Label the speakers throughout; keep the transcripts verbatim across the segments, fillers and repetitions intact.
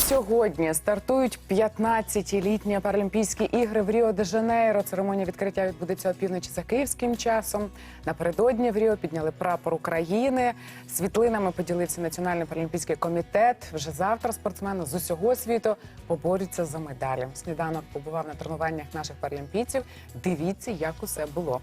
Speaker 1: Сьогодні стартують п'ятнадцятилітні Паралімпійські ігри в Ріо-де-Жанейро. Церемонія відкриття відбудеться опівночі за київським часом. Напередодні в Ріо підняли прапор України. Світлинами поділився Національний паралімпійський комітет. Вже завтра спортсмени з усього світу поборються за медалі. Сніданок побував на тренуваннях наших паралімпійців. Дивіться, як усе було.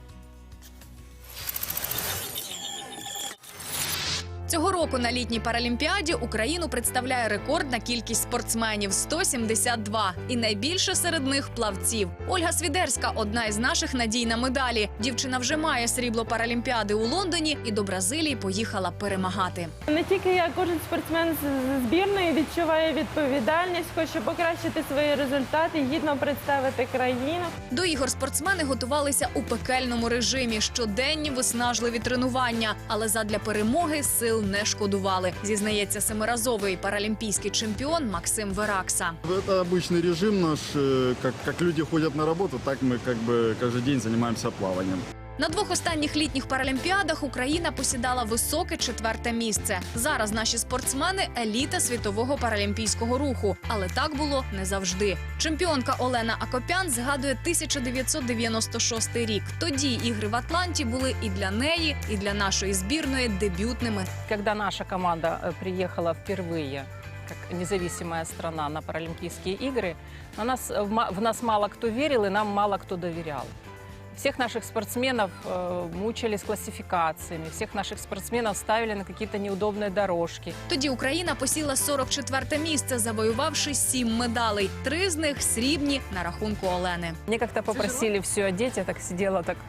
Speaker 2: Цього року на літній паралімпіаді Україну представляє рекордна кількість спортсменів – сто сімдесят два. І найбільше серед них – плавців. Ольга Свідерська – одна із наших надій на медалі. Дівчина вже має срібло паралімпіади у Лондоні і до Бразилії поїхала перемагати.
Speaker 3: Не тільки я, кожен спортсмен з збірної відчуває відповідальність, хоче покращити свої результати, гідно представити країну.
Speaker 2: До ігор спортсмени готувалися у пекельному режимі. Щоденні виснажливі тренування. Але задля перемоги сил не шкодували, зізнається семиразовий паралімпійський чемпіон Максим Веракса.
Speaker 4: Это обычный режим наш, как, как люди ходят на работу, так мы как бы каждый день занимаемся плаванием.
Speaker 2: На двох останніх літніх паралімпіадах Україна посідала високе четверте місце. Зараз наші спортсмени – еліта світового паралімпійського руху. Але так було не завжди. Чемпіонка Олена Акопян згадує тисяча дев'ятсот дев'яносто шостий рік. Тоді ігри в Атланті були і для неї, і для нашої збірної дебютними.
Speaker 5: Когда наша команда приехала впервые как независимая страна на Паралимпийские игры, на нас, в нас мало кто верил и нам мало кто доверял. Всех наших спортсменов э, мучили с классификациями, всех наших спортсменов ставили на какие-то неудобные дорожки.
Speaker 2: Тоді Україна посіла сорок четверте місце, завоювавши сім медалей. Три з них срібні на рахунку Олени.
Speaker 5: Мне как-то попросили все одеть, я так сидела, так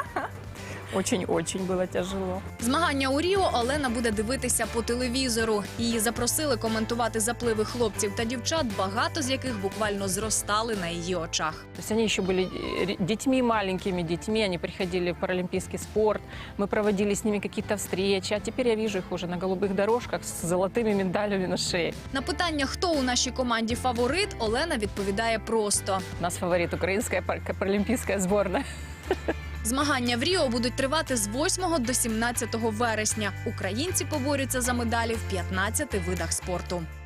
Speaker 5: очень-очень было тяжело.
Speaker 2: Змагання у Ріо Олена буде дивитися по телевізору. Її запросили коментувати запливи хлопців та дівчат, багато з яких буквально зростали на її очах.
Speaker 5: То есть они еще были детьми, маленькими детьми, они приходили в паралимпийский спорт, мы проводили с ними какие-то встречи, а теперь я вижу их уже на голубых дорожках с золотыми медалями на шее.
Speaker 2: На питання, хто у нашій команді фаворит, Олена відповідає просто.
Speaker 5: У нас фаворит украинская паралимпийская сборная.
Speaker 2: Змагання в Ріо будуть тривати з восьмого до сімнадцятого вересня. Українці поборються за медалі в п'ятнадцяти видах спорту.